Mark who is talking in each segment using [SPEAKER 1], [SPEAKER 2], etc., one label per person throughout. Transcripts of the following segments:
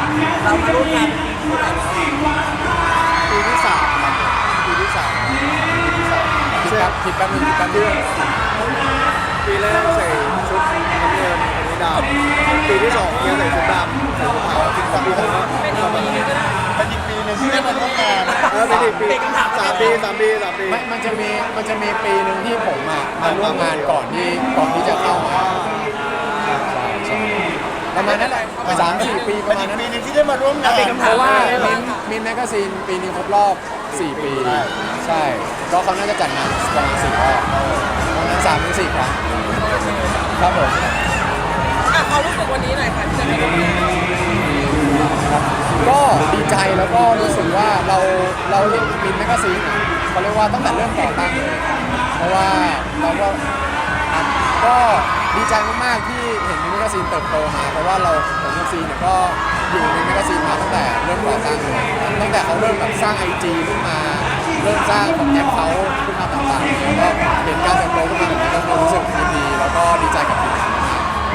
[SPEAKER 1] เรามาร่วมงานเมื่อไหร่
[SPEAKER 2] ปีที่สามครับปีที่สาม
[SPEAKER 3] คิดแป๊บนึงคิดแป๊บนึง
[SPEAKER 2] ปีแรกใส่ชุดน้ำเงินอันนี้ดำปีที่สองเนี่ยใส่ชุดดำใส่ชุดขาวปีที่สามก็เป็นอีกปีนึงก็ได้เป็นอีกปีนึงที่ได้มาร่วมงานเป็นอีกปี3 ปี
[SPEAKER 3] ไม่มันจะมีปีหนึ่งที่ผมมาร่วมงานก่อนที่จะเข้ามาใช่ประมาณนั้นแหละ3-4 ปีประมาณนั้น
[SPEAKER 2] ปีนึงที่ได้มาร่วมงาน
[SPEAKER 3] เพราะว่ามินแมกกาซีนปีนี้ครบรอบ4 ปีใช่ก็เขาน่าจะจัดงานประมาณ4 รอบประมาณ3-4 ครั้งครับผม
[SPEAKER 1] เขารู้สึกวันนี้หน่อยค่ะที่จะได้ร่วมงาน
[SPEAKER 3] ก็ดีใจแล้วก็รู้สึกว่าเราเห็นมินแมกกาซีนเขาเรียกว่าตั้งแต่เริ่มก่อตั้งเลยเพราะว่าเราก็ดีใจมากๆที่เห็นมินแมกกาซีนเติบโตมาเพราะว่าผมกับซีเนี่ยก็อยู่ในแมกกาซีนมาตั้งแต่เริ่มก่อตั้งเลยตั้งแต่เขาเริ่มแบบสร้าง IG ขึ้นมาเริ่มสร้างคอนเทนต์เขาขึ้นมาต่างๆแล้วก็เห็นการเติบโตขึ้นมาแบบนี้ก็รู้สึกยินดีแล้วก็ดีใจกับทีมงานมาก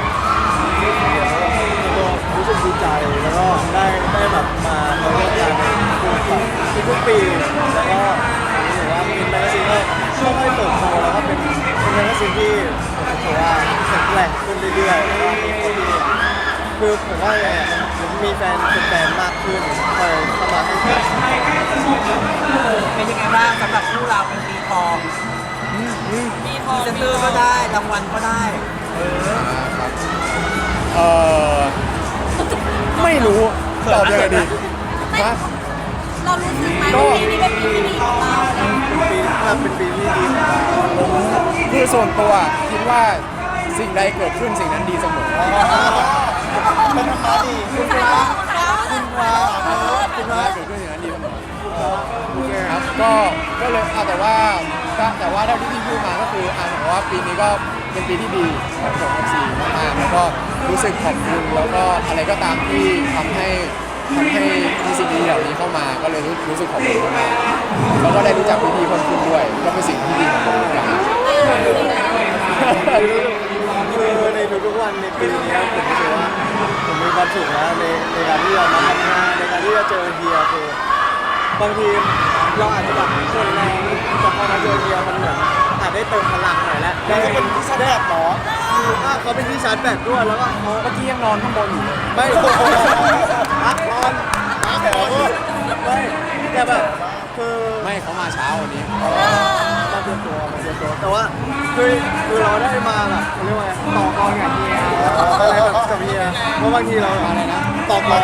[SPEAKER 2] รู้สึกดีใจแล้วก็ได้แบบมาร่วมงานทุกปีแล้วก็รู้สึกว่ามินแมกกาซีนก็ค่อยๆเติบโตแล้วก็เป็นแมกกาซีนที่ผมถือว่าแข็งแกร่งขึ้นเรื่อยๆแล้วก็มีคนที่คือผมว่าผมมีแฟนมากขึ้นคอยเข้ามาให้การ
[SPEAKER 1] เป็นยังไงบ้างสำหรับคู่เราเป็นปีทองพรีเซนเตอร์ก็ได้รางวัลก็ได้
[SPEAKER 3] ครับไม่รู้ตอบยังไงดีนะ
[SPEAKER 4] เรารู้สึกไหมว่าปีนี้เป็นปีที่ดีของเรา
[SPEAKER 2] เป็นปีที่ดีของเรา
[SPEAKER 3] ผมคือส่วนตัวคิดว่าสิ่งใดเกิดขึ้นสิ่งนั้นดีเสมอ
[SPEAKER 2] เป็นธรรมะดีคุณพระคุณพระคุณพระ
[SPEAKER 3] เกิดขึ้นสิ่งนั้นดีเสมอครับก็เลยแต่ว่าเท่าที่พี่พูดมาก็คือผมว่าปีนี้ก็เป็นปีที่ดีของผมกับซีมากๆแล้วก็รู้สึกขอบคุณแล้วก็อะไรก็ตามที่ทำให้มีสิ่งดีเหล่านี้เข้ามาก็เลยรู้สึกขอบคุณมากๆแล้วก็ได้รู้จักพี่ๆคนคุณด้วยก็เป็นสิ่งที่ดีของผมเหมือนกัน
[SPEAKER 2] คือในทุกๆวันในปีนี้ผมรู้สึกว่าผมมีความสุขนะในการที่จะมาทำงานในการที่จะเจอเฮียคือบางทีเราอาจจะแบบคนแรงแต่พอมาเจอเฮียมันเหมือนอาจได้เติมพลังหน่อยแล้วได้เป็นที่ชาร์จแบตหรอเขาเป็นที่ชาร์จแบตด้วยแล้วก็เขา
[SPEAKER 3] เมื่อกี้ยังนอนข้างบนอยู่เลย
[SPEAKER 2] ไม่นอนไม่แต่แบบคือ
[SPEAKER 3] ไม่เขามาเช้าวันนี้
[SPEAKER 2] มาเตรียมตัวแต่ว่าคือเราได้มาแบบเขาเรียกว่าต่อกรกับเฮียอะไรแบบกับเฮียเพราะบางทีเราอะไรนะต่อกร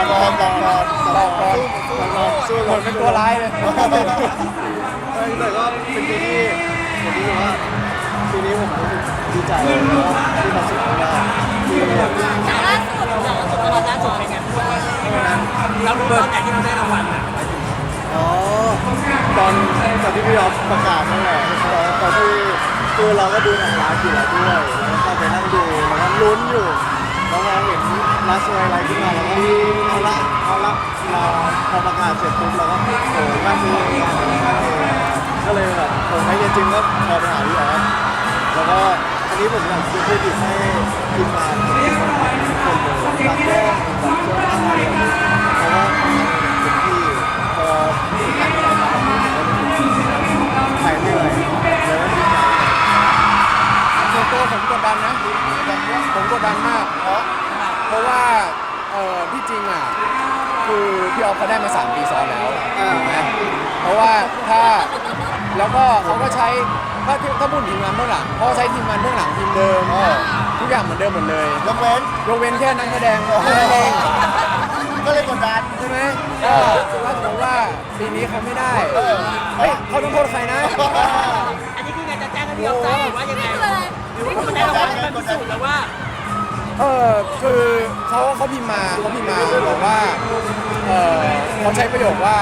[SPEAKER 2] สู้
[SPEAKER 3] เหมือนเป็นตัวร้ายเลย
[SPEAKER 2] แต่ก็เป็นปีที่ผมรู้สึกว่าปีนี้ผมรู้สึกดีใจแล้วก็มีความสุขมากที่
[SPEAKER 4] จากล่าสุด
[SPEAKER 1] รางวัลล่าสุดเป็นไงเรารู้ตอนไหนที่เราได้รางวัลอ่ะ
[SPEAKER 2] อ๋อตอนที่พี่อ๊อฟประกาศนั่นแหละตอนที่คือเราก็ดูหนังร้านอยู่แล้วด้วยแล้วก็ไปนั่งดูแล้วก็ลุ้นอยู่แล้วเราเห็นร้านสวยอะไรขึ้นมาแล้วก็เอาละเราพอประกาศเสร็จปุ๊บเราก็โอ้น่าดูก็เลยแบบผมไม่จริงก็พอไปหาพี่อ๊อฟแล้วก็อันนี้ผมอยากจะพูดถึงให้ทีมงานทุกคนเลยรับแจ้งรับเสื้อผ้าอะไรอย่างนี้เพราะว่าเป็นที่พอถ่ายไปแล้วถ่ายเหนื่อยแล้วก็ดีใจ
[SPEAKER 3] ส่วนตัวผมกดดันนะผมกดดันมากเพราะว่าที่จริงอ่ะคือพี่ออฟเขาได้มา3 ปีซ้อนแล้วถูกไหมเพราะว่าแล้วก็เขาก็ใช้ถ้าพูดทีมงานเบื้องหลังเขาใช้ทีมงานเบื้องหลังทีมเดิมทุกอย่างเหมือนเดิมหมดเลยยกเว้นแค่นักแสดงเท่านั้นเองก็เลยกดดันใช่ไหมถ้าสมมติว่าปีนี้เขาไม่ได้เฮ้ยเขาต้องโทษใครนะ
[SPEAKER 1] อันนี้คือไงจะแจ้งให้พี่อ๊อฟทราบหรือว่ายังไงหรือว่าคุณได้รางวัลมันพิสูจน์แล้วว่า
[SPEAKER 3] คือเขาพิมพ์มาบอกว่าเขาใช้ประโยคว่า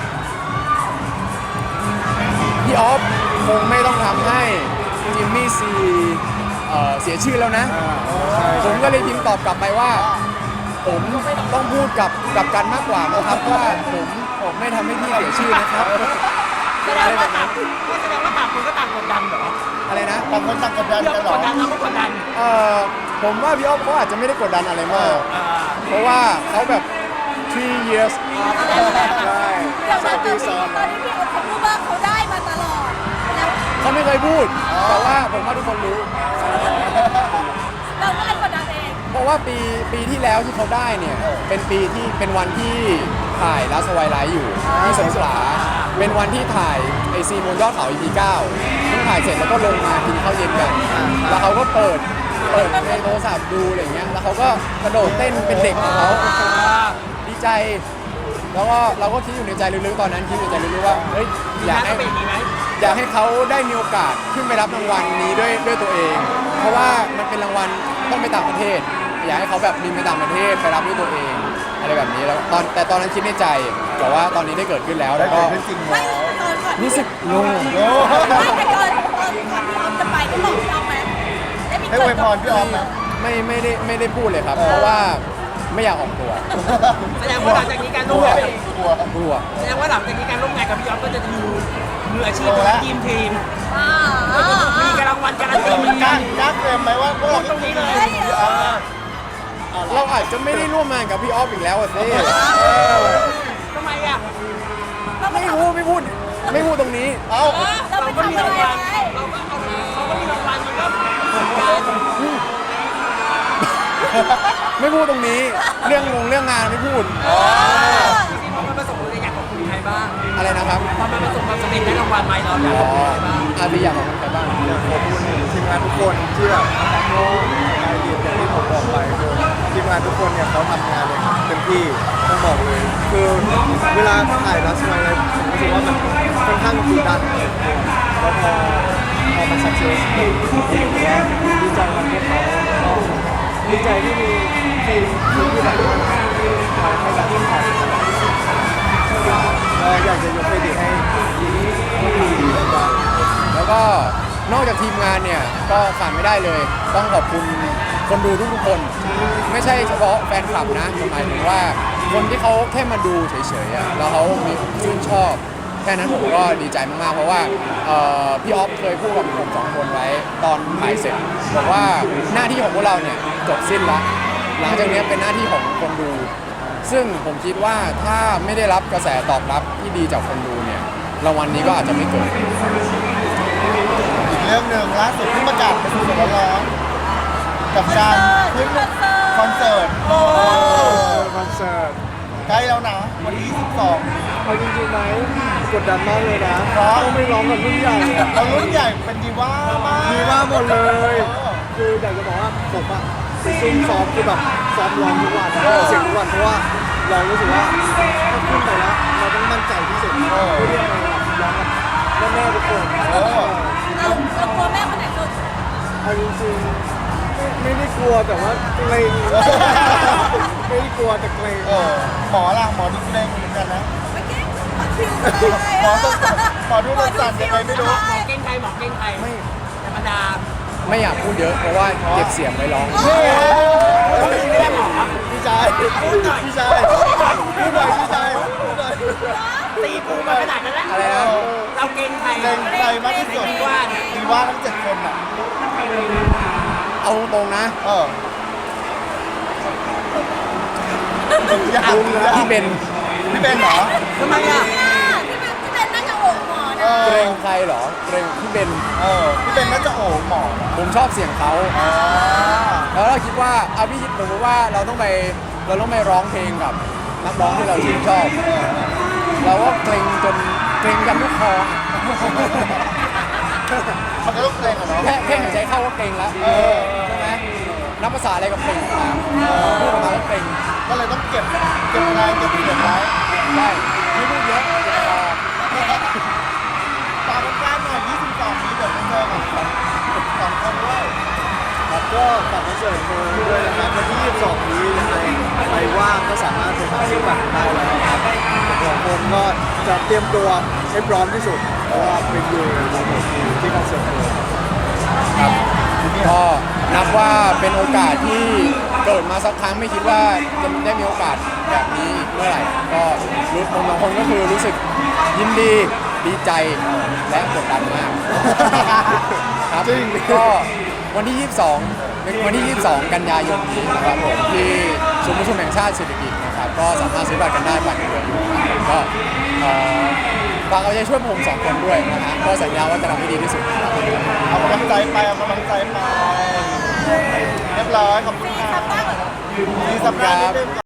[SPEAKER 3] พี่ออฟคงไม่ต้องทำให้จิมมี่ซีเสียชื่อแล้วนะผมก็เลยพิมพ์ตอบกลับไปว่าผมต้องพูดกับกันมากกว่านะครับว่าผมไม่ทำให้พี่เสียชื่อนะครับ
[SPEAKER 1] แสดงว่าต่างคนก็ต่างกดดันเหรอ
[SPEAKER 3] อะไรนะ
[SPEAKER 2] ต่างคนต่างกดดัน
[SPEAKER 1] พี่อ๊อฟ
[SPEAKER 2] กันหร
[SPEAKER 1] ก
[SPEAKER 2] อ
[SPEAKER 1] ดดันเราก็กดดัน
[SPEAKER 3] ผมว่าพี่ออฟเขาอาจจะไม่ได้กดดันอะไรมากเพราะว่าเขาแบบ 3 years ใช่
[SPEAKER 4] เดี๋ยว
[SPEAKER 3] 3 ปีซ้อน
[SPEAKER 4] ตอนนี้พี่โอ๊ตเขาพูดว่าเขาได้มาตลอดแล้ว
[SPEAKER 3] เขาไม่เคยพูด แต่ว่าผมว่าทุกคนรู้
[SPEAKER 4] เราก็เลยกดดันเอง
[SPEAKER 3] เพราะว่าปีที่แล้วที่เขาได้เนี่ยเป็นปีที่เป็นวันที่ถ่ายลาสไวไลท์อยู่ที่สงขลาเป็นวันที่ถ่ายไอซีบนยอดเขา EP 9เพิ่งถ่ายเสร็จแล้วก็ลงมากินข้าวเย็นกัน แล้วเขาก็เปิดในโทรศัพท์ดูอะไรเงี้ยแล้วเขาก็กระโดดเต้นเป็นเด็กของเขาดีใจแล้วก็เราก็คิดอยู่ในใจลึกๆตอนนั้นคิดอยู่ในใจลึกๆว่าเฮ้ยอยากให้
[SPEAKER 1] เป็นอย่างนี้ไหม
[SPEAKER 3] อยากให้เขาได้มีโอกาสขึ้นไปรับรางวัลนี้ด้วยตัวเอง เพราะว่ามันเป็นรางวัลต้องไปต่างประเทศ อยากให้เขาแบบบินไปต่างประเทศไปรับด้วยตัวเองอะไรแบบนี้แล้วแต่ตอนนั้นคิดในใจแต่ว่าตอนนี้ได้เกิดขึ้นแล้ว
[SPEAKER 2] ได้
[SPEAKER 3] แล้ว
[SPEAKER 2] เกิ
[SPEAKER 3] ก็
[SPEAKER 2] ดขึ้นจริง
[SPEAKER 4] ไม่
[SPEAKER 2] แล้ว
[SPEAKER 4] ตอนก่อน
[SPEAKER 3] รู้สึกโล่ง
[SPEAKER 2] โอ้
[SPEAKER 4] ไม่แต่ก่อนพี่ออฟจะไปได้บอกพี่ออฟไหมได้มี
[SPEAKER 2] ให้อวยพรพี่ออฟไหม
[SPEAKER 3] ไม่ได้พูดเลยครับ เพราะว่าไม่อยากออกตัว
[SPEAKER 1] แสดงว่าหลังจากนี้การ
[SPEAKER 2] ก
[SPEAKER 1] ร่
[SPEAKER 2] ลั
[SPEAKER 1] วม
[SPEAKER 2] ว
[SPEAKER 1] งาน
[SPEAKER 2] กลัว
[SPEAKER 3] กลัว
[SPEAKER 1] แสดงว่าหลังจากนี้การร่วมงานกับพี่อ๊อฟก็จะดูมืออาชีพของทีม
[SPEAKER 4] อ่า
[SPEAKER 1] มีการรางวัลการันตีเหมือน
[SPEAKER 2] ก
[SPEAKER 1] กั
[SPEAKER 2] ล้าน เฟรมไหมว่าพวกเรา
[SPEAKER 1] ตรงนี้เลย
[SPEAKER 3] เราอาจจะไม่ได้ร่วมงานกับพี่ออฟอีกแล้วอะสิ
[SPEAKER 1] ทำไมอ่ะ
[SPEAKER 3] ไม่พูดตรงนี้
[SPEAKER 2] เอ้า
[SPEAKER 4] เรา
[SPEAKER 1] เรา
[SPEAKER 4] ไป
[SPEAKER 1] ก็มี
[SPEAKER 4] ทำอะไร
[SPEAKER 1] รางวัล
[SPEAKER 4] ไว้
[SPEAKER 1] เราก็เอาเขาก็มีรางวัลมันก็เหมือนกัน
[SPEAKER 3] ไม่พูดตรงนี้ เรื่องงานไม่พูด
[SPEAKER 1] จริงๆพอมันประสบความสำเร็จอยากขอบคุณใครบ้าง
[SPEAKER 3] อะไรนะครับ
[SPEAKER 1] พอมันประสบความสำเร็จได้รางวัลไหมเราอยากข
[SPEAKER 3] อ๋
[SPEAKER 1] อบ
[SPEAKER 3] อ
[SPEAKER 1] คุณใครบ้าง
[SPEAKER 3] อาพี่อยากขอบคุณใครบ้าง
[SPEAKER 2] อยากขอบคุณทีมงานทุกคนที่แบบโน้ไอเดียอย่างที่ผมบอกไปคือทีมงานทุกคนเนี่ยเขาทำงานเนี่ยเต็มที่ต้องบอกเลย คือเวลาถ่ายรัสไวอะไรผมรู้สึกว่ามันค่อนข้างกดดันแล้วพอมันสักเซสผมว่าดีใจกับพวกเขาแล้วก็ดีใจที่มีทีมที่แบบว่าคอยให้แบบทีมถ่ายก็อยากจะยกเครดิตให้ทีมแล้วก็
[SPEAKER 3] แล้วก็นอกจากทีมงานเนี่ยก็ขาดไม่ได้เลย ต้องขอบคุณคนดูทุกๆคน ไม่ใช่เฉพาะแฟนคลับนะหมายถึงว่าคนที่เขาแค่มาดูเฉยๆอะแล้วเขามีชื่นชอบแค่นั้นผมก็ดีใจมากๆเพราะว่าพี่ออฟเคยพูดกับผม2 คนไว้ตอนถ่ายเสร็จบอกว่าหน้าที่ของพวกเราเนี่ยจบสิ้นแล้วหลังจากนี้เป็นหน้าที่ของคนดู ซึ่งผมคิดว่าถ้าไม่ได้รับกระแสตอบรับที่ดีจากคนดูเนี่ยรางวัลนี้ก็อาจจะไม่เกิด
[SPEAKER 2] อีกเรื่องหนึ่งล่าสุดที่ประกาศเป็นสดๆร้อนๆกับการขึ้นคอนเสิร์ต
[SPEAKER 3] คอนเสิร์ต
[SPEAKER 2] ใกล้แล้วนะวันที่22
[SPEAKER 5] เอาจริงๆไหมกดดันมากเลยนะ
[SPEAKER 2] เพราะ
[SPEAKER 5] ต้องไม่ร้องกับรุ่นใหญ่อะ
[SPEAKER 2] เรารุ่นใหญ่เป็นดีว่ามาก
[SPEAKER 5] ดีมากหมดเลย คืออยากจะบอกว่าผมอะซุ่มซ้อมคือแบบซ้อมร้องทุกวันเสียงทุกวันเพราะว่าเรารู้สึกว่าถ้าขึ้นไปแล้วเราต้องมั่นใจที่สุดเพื่อที่จะมาร้องกับแม่ๆทุกคน
[SPEAKER 4] เรากลัวแม่คนไหนสุด
[SPEAKER 5] เอาจริงๆไม่ได้กลัวแต่ว่าเกรงไม่ได้กลัวแต่เกรง
[SPEAKER 2] หมอล่ะหมอดูเล่งเหมือนกันนะ
[SPEAKER 4] ไม่เก่งคิวเลย
[SPEAKER 2] หมอดูสั่นยังไงไม่รู้
[SPEAKER 1] หมอเก้งไทยหมอเก้งไทยธรรมดา
[SPEAKER 3] ไม่อยากพูดเยอะเพราะว่าเก็บเสียงไว้ร้อง
[SPEAKER 1] ไม่ได้หมอครับ
[SPEAKER 2] พี่ชายพี่ชายพูดหน่อยพี่ชายพูดหน่อย
[SPEAKER 1] ตีปูมาขนาดนั้นแล้ว
[SPEAKER 3] อะไรนะ
[SPEAKER 1] เราเก้งไทย
[SPEAKER 2] เก่งใจมากที่สุด
[SPEAKER 1] ดีว่าเนี่ย
[SPEAKER 2] ดีว่าทั้ง7 คนอ่ะ
[SPEAKER 3] เอาตรงๆนะ
[SPEAKER 2] อยากรู้นะ
[SPEAKER 3] พี่เบน
[SPEAKER 2] พี่เป็นเหรอ
[SPEAKER 1] ทำไมอ่ะ
[SPEAKER 4] ที่เป็นน่าจะโอ่งหมอนะ
[SPEAKER 3] เกรงใครเหรอเกรงพี่เบน
[SPEAKER 2] พี่เป็นน่าจะโอ้หมอ
[SPEAKER 3] ผมชอบเสียงเขาแล้วเราคิดว่าเอาพี่คิดสมมติว่าเราต้องไปร้องเพลงกับนักร้องที่เราชื่นชอบ เราก็เกรงจนเกรงกันทุกคอ
[SPEAKER 2] มันก็ต้องเกรงอะเนาะ
[SPEAKER 3] แค่หายใจเข้าก็เกรงแล้วใช่ไหมนับภาษาอะไรกับเกรงมาพูดออกมาก็เกรง
[SPEAKER 2] ก็เลยต้องเก็บงานเก็บเสียงไว้
[SPEAKER 3] ได้ไม่พูดเยอะเก็บคอ
[SPEAKER 2] ตามกันได้หน่อย22นี้เดี๋ยวไปเจอกัน2 คนด้วย
[SPEAKER 5] ครับก็ฝากคอนเสิร์ตมาด้วยนะครับวันที่ 22 นี้ยังไงใครว่างก็สามารถไปหาซื้อบัตรได้แล้วครับผมก็จะเตรียมตัวให้พร้อมที่สุดเพราะว่าเป็นอยู่ที่คอนเสิร์ตเลย
[SPEAKER 3] ครับก็นับว่าเป็นโอกาสที่เกิดมาสักครั้งไม่คิดว่าจะได้มีโอกาสแบบนี้อีกเมื่อไหร่ก็รู้คนบางคนก็คือรู้สึกยินดีดีใจและกดดันมากครับก็วันที่ 22 กันยายนนี้นะครับผมที่สุศูนย์ประชุมแห่งชาติเศรษฐกิจนะครับก็สามารถซื้อบัตรกันได้บัตรยังเหลืออยู่ก็ฝากเอาใจช่วยผมสองคนด้วยนะฮะก็สัญญาว่าจะทำให้ดีที่สุดครับ
[SPEAKER 5] เอากำลังใจไปเอากำลังใจไปเรียบร้อยขอบคุณ
[SPEAKER 4] มี
[SPEAKER 5] ครั
[SPEAKER 4] คำ
[SPEAKER 5] บ
[SPEAKER 4] ว่า
[SPEAKER 5] มีสัปดาห์นิดนึง